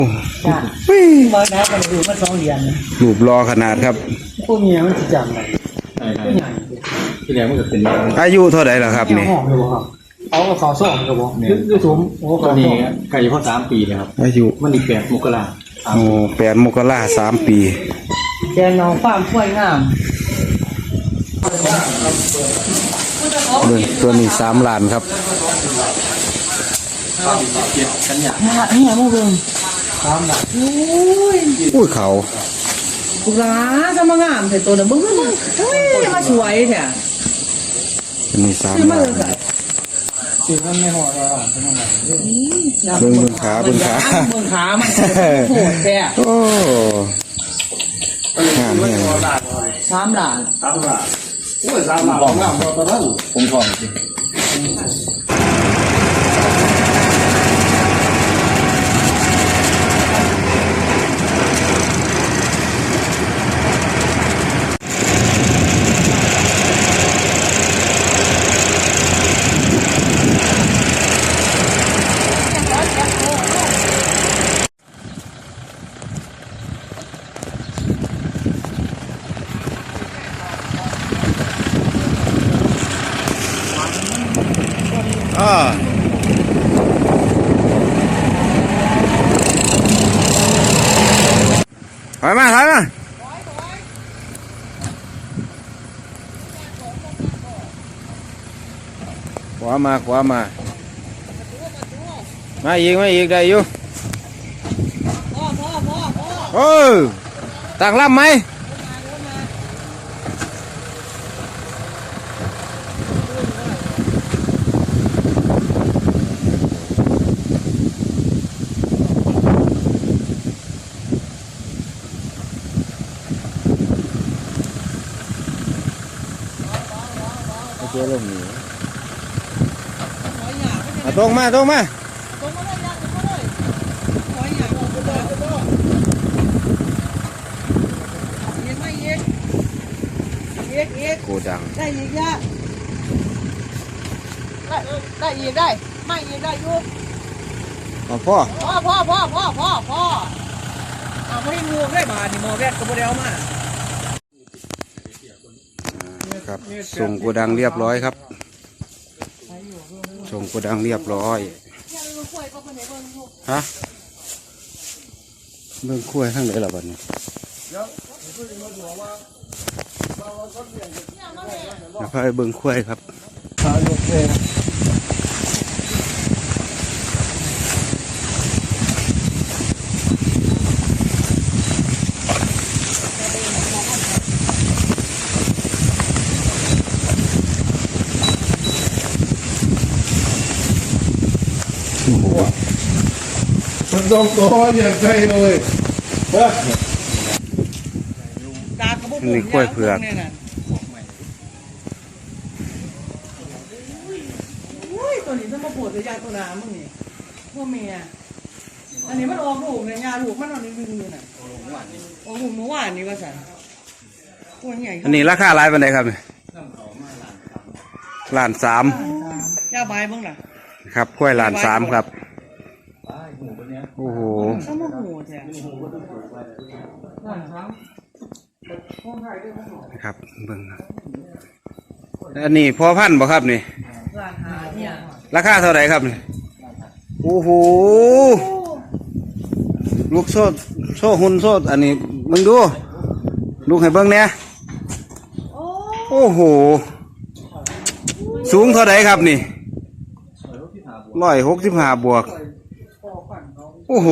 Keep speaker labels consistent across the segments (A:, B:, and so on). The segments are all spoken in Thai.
A: จ้ามาได้กันดูมา2 เดือน
B: รูปรอขนาดครับ
A: พวกเมียมันจะจำได้
C: ใช่ที่แรกมันก็เป็น
B: อายุเท่าไหร่ล่ะครับนี่
A: เอาขอส่งกระบอกยืดสูงโอ้
C: ตอนนี้ไก่พ่อ3 ปีเลยครับ
B: อายุ
C: มันอีก8 มกรา
B: โอ้8 มกรา3 ปี
A: แกน้องฟาร์มกล้วยงาม
B: ตัวนี้3 ล้านครับ
A: นี่มึงเบิ่ง3 ล้าน
B: อุ้ยเขา
A: ปุราจะมางามแต่ตัวน่ะมึงมาสวยแท้
B: ตัวนี้3 ล้าน
A: สิมันไม่หอดแล้ว
B: เบิ่งขามัน
A: โหดแท้
B: โอ้งามแฮง
A: 3 ล้าน
C: โอ้ย3 ล้านงามตอนนั้นผมทองจริง
B: ถอยมาขวามาอีกได้อยู่ต่างลำไหมเจ๊ลงนี่ตรงมาโกดัง
A: ได้อีกยะได้อีกได้ไม่อีกได้ยุบ
B: พ่อ
A: เอาไม่ให้งูได้บาทนี่มอแวดก็บ่ได้เอามา
B: ครับส่งโกดังเรียบร้อยครับส่งโกดังเรียบร้อยฮะเบิ่งคุ้ยข้างไหนล่ะบัดนี้พาไปเบิ่งคุ้ยครับ
C: มันต้องตัวอย่างไรเลย
B: นี่กล้วยเผือก
A: ตัวนี้จะมาปวดจะยาตัวน้ำมึงนี่พวกเมียอันนี้มันออกลูกเนี่ยยาลูกมันนอนดึงอยู่น่ะออกลูกเมื่อวานนี้ว่าสันตัวใหญ่
B: อันนี้ราคาหลายปานใดครับ1.3 ล้าน
A: ยาใบบ้างล่ะ
B: ครับกล้วย1.3 ล้านครับโอ้โหครับเบิ่งอันนี้พอพันบ่ครับนี่ราคาเท่าไหร่ครับนี่โอ้โหลูกโซ่หุ่นโซ่อันนี้มึงดูลูกให้เบิ่งเนี่ยโอ้โหสูงเท่าไหร่ครับนี่165 บวกโอ้โห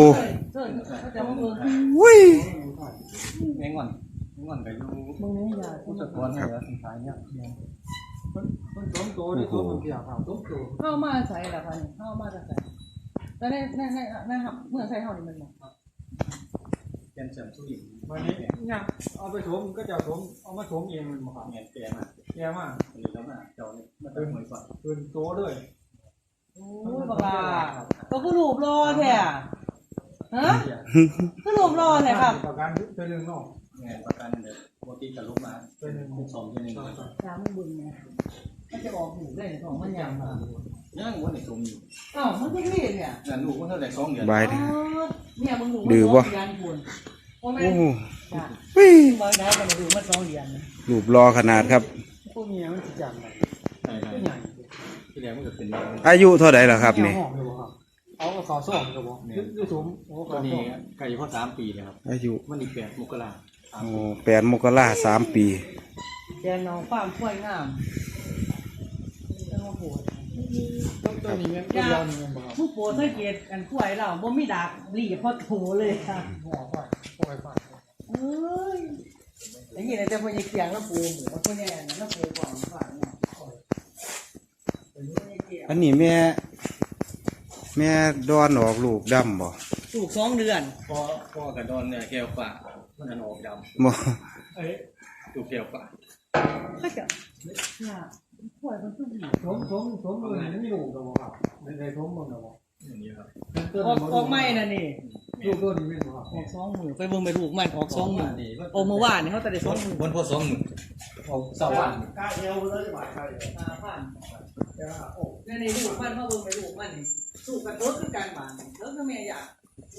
B: วุ้ย
C: แมงวันไปดูผู้จัดการให้แล้วสุดท้ายเนี่ยมันต้มโตด้วยตัวมันเกี่ยวกับต้มโต
A: เข้ามาใส่ละพันเข้ามาจะใส่แต่ในเมื่อใส่เท่านี้มันหมด
C: แกนเสริมสุริน
A: วันนี้เนี่ยเอาไปถมก็จะถมเอามาถมเองมันมา
C: เงี้ยแก่มากหรือแล้วมาเจ้าเนี่ยมันเป็นเหมือนกัน
A: เป็นโตด้วยโอ้ยบักลาก็คือรูปรอแท้ฮะคือรูปรอแท้ครับ
C: ประกันเป็นเรื่องนอกเงี้ยประกันเดี๋ยวปกติจะลุกมาเป็น2 เป็น 1
A: ช้างบุญเนี่ยมันจะออกหูได้ของมันยัง
C: ยังวันไหนสมอยู่
A: อ้าวมันจะเรียนเนี่ย
C: ลูกมันเท่าไหร่2 เดือน
B: ใบ
A: เนี่ยมึงถูก
B: ดื้อบ่
A: เรียนบุญโอ้แม่
B: โอ้โห
A: จ้ะ
B: เฮ้ย
A: บางได้กันดูมัน2เหรียญนะ
B: รูปรอขนาดครับ
A: พวกเมียมันสิจังได
C: ใช่ครับ
A: ใหญ่
C: ที่แรกมันก็เป็น
B: อายุเท่าไหร่ล่ะครับนี่
A: ห้องอยู่ครับเอาก็ขอส่งก็บ่อยู่สูงโอ้ข
C: ต
A: อ
C: อน
A: ส่
C: นี้
A: ง
C: ไก่พ่อ3 ปีเลยครับ
B: อายุ
C: มันอีก8 มกราคม
B: โอ้8 มกรา3 ปี
A: แกน้องความช่วยงามจะมาโหด
C: ตัวนี้มันตัวเดียวนี่มันบ่ครับ
A: ผู้โปรดสังเกตกันข่วยเราบ่มีดากหลีพอโถเลยค่ะ
C: หัวไฟปล่อยไฟ
A: เอ้ยอย่างนี้แต่พอยังเกียงแล้วปูหมูพวกนี้แล้วปูก่อนฝากเนี่ย
B: อันนี้แม่ดอนออกลูกดำบ่
A: ถูก2 เดือน
C: พ่อกระดอนเนี่ยแก้วฝามันออกดำ
B: บ่
C: ถูกแก้วฝา
A: ก็จะเนี่ยข่วยมันคือหลี
C: ผมเลยไม่อยู่กับบ่ครับในผมบ่ครับอย่างนี้ครับ
A: ออกไม่น่ะนี่
C: ลูกตัวนี้ไม่บ่ครับ
A: ออก20,000ไปเบิ่งไปลูกมันออก20,000โอ้เมื่อวานนี่เขาแต่ได้20,000
C: บนพ่อ2 มื้อเอาสวรรค์
A: กาเอวเลยบาทใคร5,000โอ้ในลูกมันเขาเบิ่งไปลูกมันนี่สู้กันรถคือการบ้านแล้วก็แม่อยาก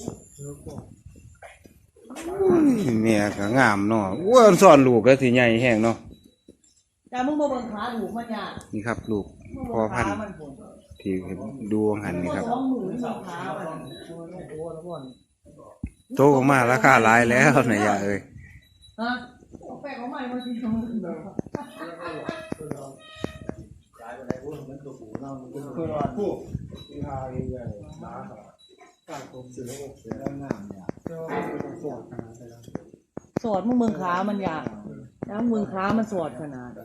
B: แม่ก็งามเนาะอ้วนสอนลูกก็สิใหญ่แฮงเนาะ
A: แต่มึงมาเบิ่งขาลูกมันยาก
B: นี่ครับลูกพ่อพันธุ์ที่ดูหันนี่ครับ
A: 20,000ขามัน
B: โตออกมาราคาหลายแล้วนะย่าเอ้ย
A: ฮะแปลกของใหม่มาทีนึง
C: คือว่าผู้ที่หาเองเนี่ยนะการผมซื้อระบบเสียงามเนี่ยก็เป็นสดนะใช่ไหม
A: สอดมึงเบิ่งขามันยากแล้วมึงขามันสอดขนาด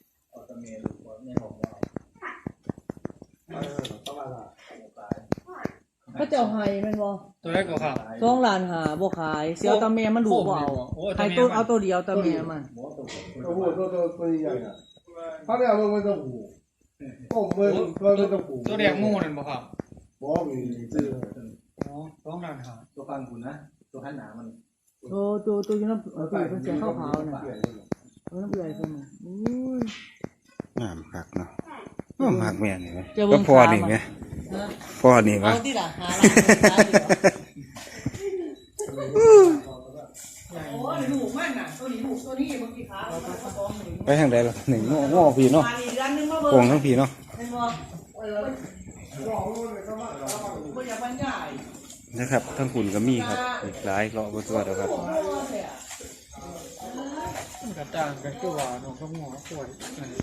A: ก็จะเอาให้แม่นบ่
C: ตัวแรกก็ครับ
A: 2 ล้านหาบ่ขายเสียวตาแม่มันดูบ่เอาให้ตัวเอาตัวเดียวตาแม่มัน
D: ตัวใหญ่เขาเนี่ยมันต้องหูก็มันต้องหู
C: ตัวแดงงูนั่นบ่ครับ
D: บอกมีชื่อ
C: อ๋อต้องนั่นหาตัวฟังคุณนะตัวขันหนามัน
A: ตัวอยู่น้ำเป็นเสียขาวๆน่ะน้ำเอื่อยเพิ่นน่ะอุ้ย
B: งามคักเนาะโอ้มักแม่นี่แหม
A: จะเบิ่
B: ก็
A: ง
B: พ่อ
A: ขา
B: นี่
A: มัน
B: แหม
A: ฮะ
B: พ่อนี่
A: เอา
B: วะ
A: ที่ล่ะหาล้านโอ้ยลูกมันน่ะตัวนี้ลูกตัวนี้บางทีขา
B: ไปทางใดล่ะนี่ง้อพี่เนาะ
A: มาอีกอันนึงมาเบิ่
B: โป่ง
A: ง
B: ทั้งพี่เนาะ
A: เป็นบ่บ่อยากบรรยาย
B: นะครับทั้งคุณก็มีครับอีกหลายเลาะบ่ตัวเด้อครับ
C: กระจ่างกันคือว่าน้องก็หัวป่วย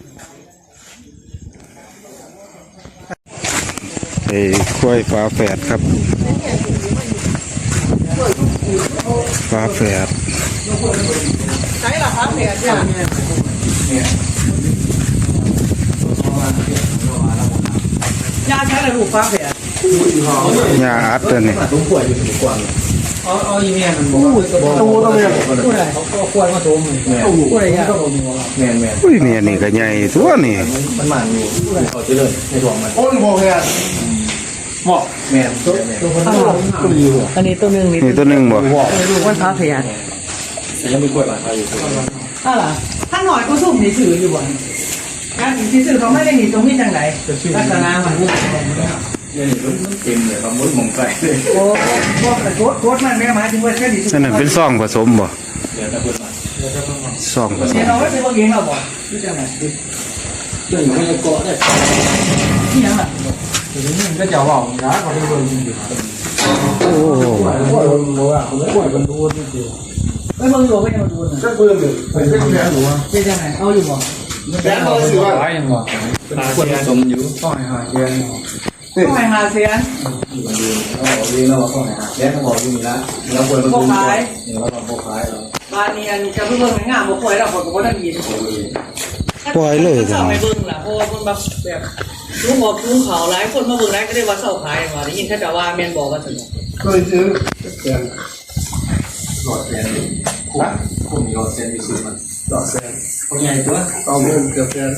B: ไอ้ควายฟ้าแฝดครับฟ้าแฝด
A: ใช้ล่ะครับเนี่ยยาใช้อะไรลูกฟ้าแฝด
B: ยาอัดตัวนี้
C: ต้องป่วยอยู่ถึงกว่าเอาอีเมียมันบอกตัวต้องเนี่ยผู้ใดเขาก็ควรมาโทรมึงแม่ผู้ใดเนี่ยแม่แม่
B: อุ้ยเนี่ยนี่ก็ใหญ่ตัวนี่
C: มันหมันอยู่เขาจะเลยในท้องมัน
D: โอ้ยบอกเนี่ย
C: เหมาะแม่ตัวคนตัวอยู่
A: อันนี้ตัวนึง
B: นี่ตัวหนึงบ่
A: ลูกมันฟ้าแฝด
C: ยังมีกล้วยบาดเขาอยู่
A: ถ้าล่ะถ้าหน่อยก็สุ่มนี่ถืออยู่บ่การที่ซื้อเขาไม่ได้หนีตรงนี้จังไหนลักษณะมัน
C: นี่มันเต็มเลยครับมุดมองไกลเลย
A: โอ้บ่กระโดดมันแม่หมายถึงว่าแค่นี้
B: นั่นนะเป็นซองผสมบ่
C: เดี๋ยวจะเปิดมา
B: ซองผส
A: เดี๋ย
B: ม
A: วเราไว้เป็นพวกเองเราบ่หรือจังไหน
C: เรื่องมันจะเกาะได้
A: ที่ยังล่ะ
C: ทีนี้มันก็จะว่าร้านเขาเป็นคนจริง
B: โอ้โห
C: ๆป่วยมันรู้อ่ะผมป่วยมันรู้จริง
A: ไม่เบิ่งอยู่ไม่ยังมาดูน่ะ
D: จะเพิ่มเลยเป็นแผลหัว
A: เป็นจังไหนเอาอยู่บ่
D: แผลหัวสิว่า
C: ๆร้ายยังวะเป็นคนผสมอยู่ต้องหาเย็น
A: ต้องให้หาเสียน
C: อยู่กันดีเราบอกดีเราต้องหาแย่ต้องบอกอยู่นี่ละเราป่วยมันรู้เราต้องโบกายเรา
A: บ้านนี้อันจะเบิ่งงามบ่ค่อยแล้วคนก็บ่ได้ยิน
B: ปล่อยเลย
A: จ้ะ
B: จ้ะ
A: ไม่เบิ่งล่ะเพราะว่าคนแบบลุงบอกลุงเขาหลายคนมาเบิ่งแล้วก็ได้ว่าเซาขายว่าได้ยินเขาจะว่าแม่นบอกว่าซั่น
D: เคยซื้อแผล
C: หลอดแสนคุ้มมีหลอดแสนมีซื้อมันหลอดแสนคนใหญ่ตัว
D: เอาเงินเกือบแผล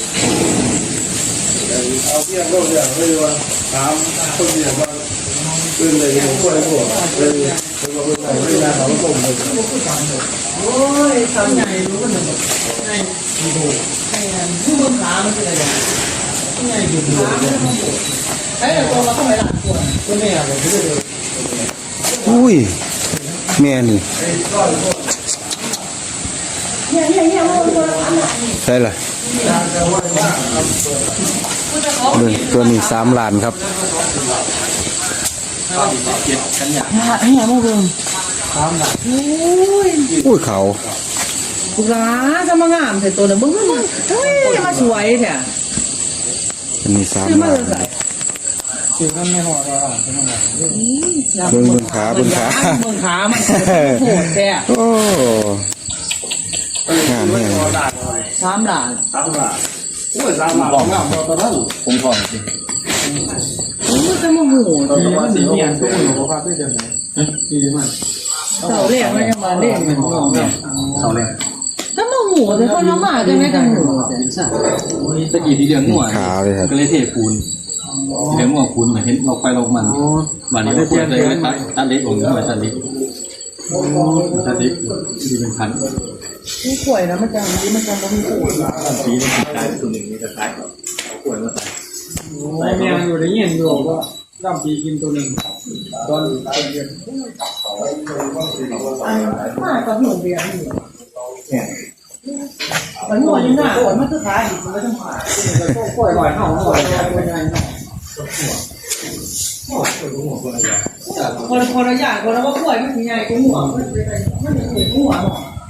D: เอาเพียงโลกอย่างเลยว่าถามคนเดียวว่าเป็นเลยผมก็เลยบอกเลยผมก็เป็นไหนไม่ได้เขาต้มเลย
A: โอ้ยทำใหญ่รู้กันหมดใหญ่ดูใหญ่ผู้บนขามันเป็นอะไรใหญ่ดูขาไอ้ตัวเราเข้าไปหลังตัว
D: ก็ไม่อยากเลยที่จะเลย
B: อุ้ยแม่นี่ใช่ล่ะเบิ่งตัวนี้3 ล้านครับ
A: ให้มาเบิ่ง
B: อุ้ยเขา
A: ลูกหลานจะมางามแต่ตัวน่ะเบิ่งเฮ้ยมาสวยแท้
B: อันนี้
A: คือ
B: 3
A: มา
B: ล้าน
A: เลย
C: คือมันไม่หอดอ่ะเป็นอะไร
B: เบิ่งขาเบิ่งขา
A: เบิ่งขามันโหดแท้
B: โอ้งามแม่
A: 3 ล้าน
D: ตามมาโอ้ยตามมาของงามตอนนั้น
C: ผมถอนสิ
A: โอ้ยจะมาโหด
C: ตอนนี้มันสีเนียนทุกคนบอกว่าด้วยกันไหนดีมัน
A: เสาแรกมันยังมาเล่นเหมือนน้องเนี่ย
C: เสาแรก
A: ถ้ามาโหดแต่คนละมาจังได๋จังโหด
C: ตะกี้ที่เดือนหัว
B: ขาเลยครับ
C: ก็เลยเทปูนเดือนหัวปูนเหมือนเห็นเราไปเรามันวันนี้เราเปลี่ยนเลยตัดเล็กลงหน่อยตัดเล็กดีเป็นพัน
A: ผู้ป่วยนะมันจังนี้มันจังบ่มีผู้
C: ปีนึงตายตัวหนึ่งนี่จะตายเอาขวดมาใส่เมียอยู่ได้ยินอยู่ว่าดำปีกินตัวหนึ่งตอนเดือน
A: มาก็หนูเบียร์อยู่มันหัวอยู่หน้าคนมันคือขาอีกมันก็ต้องขา
C: ปล่อยหน่อยเข้าหน่อย
A: คนละอย่างคนละว่าป่วยมันสิใหญ่กว่าหัวมันสิหัว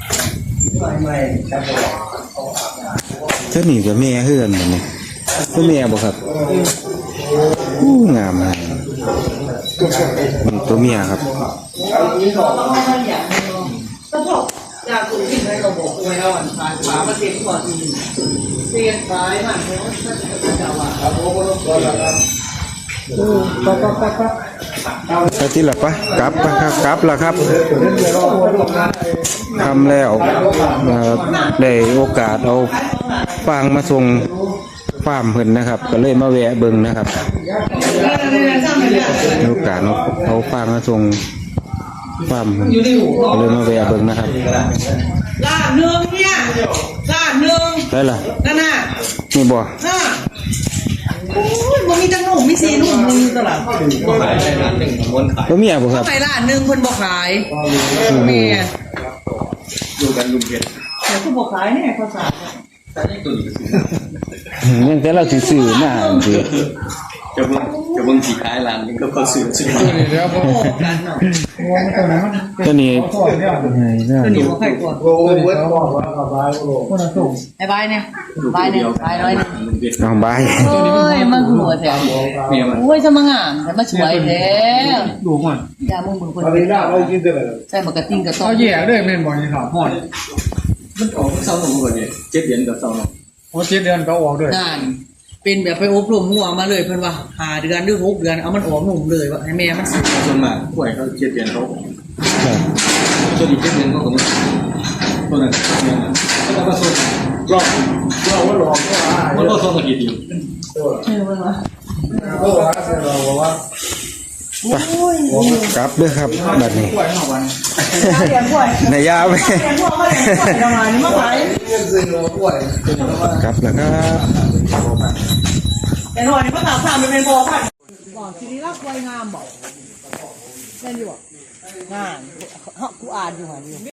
B: เจ้านี่กับแม่เฮือนแบบนี้ตัวแม่บ่ครับอู้งามเลยนี่ตัวเมียครับ
A: ก็พอกจากคุณที่ให้เราบอกไว้แล้วอ่ะขามันเต็มกว่าทีเตียนซ้ายมันเพราะมันจะว่าครับผมก็ต้องครับ
B: ไปที่ละปะกลับปะครับกลับละครับทำแล้วได้โอกาสเอาฟางมาส่งฟาร์มเพิ่นนะครับ ก็เลยมาแวะเบิ่งนะครับโอกาสเอาฟางมาส่งฟาร์มเพิ่นก็เลยมาแวะเบิ่งนะครับ
A: ล้านหนึ่งเนี่ยล้านหนึ่ง
B: ได้ล่ะ
A: นั่นน่ะ
B: นี่บ่
A: น่ะโอ้ยมันมีจังหนุ่มมีสีนุ่มมึงตลาด
C: ขายได้ร้านหนึ่งม้วนขาย
B: ตัวเมียบ่ครับ
A: ไปล้านหนึ่งเพิ่นบ่ขายเมีย
C: ดูกันลุงเพชร
A: เดี๋ยวคุณบ่ขายแน่ภาษา
C: แต่นี่ตัวนี้ก็ซื้อ
B: ยังแต่เราสิซื้อมาสิ
C: จะเบิ่งสีขายร้านนึงก็เขาซื้อซื้อ
A: โอ้กันเนาะ
B: ตัวนี้
A: ตัวนี้บ่ใครกลัว
D: โอ้ยเวทบอกว่าสบายโอ้
A: ไอ้บายเนี่ยบายเนี่ยบายน้อยเนี่ย
C: ลุงเพชร
B: น้องบาย
A: โอ้ยมาหัวแท้
C: เมียมัน
A: โอ้ยจะมางามแต่มาสวยแท้
C: ดูมัน
A: อย่ามึงเบิ่งคน
D: ตอนนี้หน้าเรากินเท่าไหร่
A: ใส่หมวกกระติ้งกระต้อ
C: เขาแย่ด้วยแม่นบ่อยครับหอดมันออกเศร้าหนุ่มก่อนเนี่ย7 เดือนกับเศร้าหนุ่มโอ้7 เดือนก็ออกด้วย
A: นั่นเป็นแบบไปอบรมหัวมาเลยเพิ่นว่า5 เดือนหรือ6 เดือนเอามันออกหนุ่มเลยว่าให้แม่มันสิ
C: ส่วนมากป่วยเขา7 เดือนเขาตัวนี้7 เดือนเขาก็ไม่ตัวนั้นเนี่ยแล้วก็ส่วน
D: เราว่าหลอกก็ว่า
C: มันก็ส่วนตะกี้ดี
A: เออเพิ่นว่า
D: ก็ว่าเราบอกว่า
B: กลับเด้อครับบัดนี้
C: ป่วยหน่อวัน
A: เรียนป่วย
B: นายยาวไป
A: เรียนป่วยมาเรียนป่วยประมาณนี้มาขาย
D: เงินซื้อเราป่วย
B: กลับแล้วครับ
A: แต่หน่อยนี่มาถามถามเป็นพอพันบอกทีนี้รักป่วยงามบอกแม่นอยู่บ่งานกูอ่านอยู่หั่นอยู่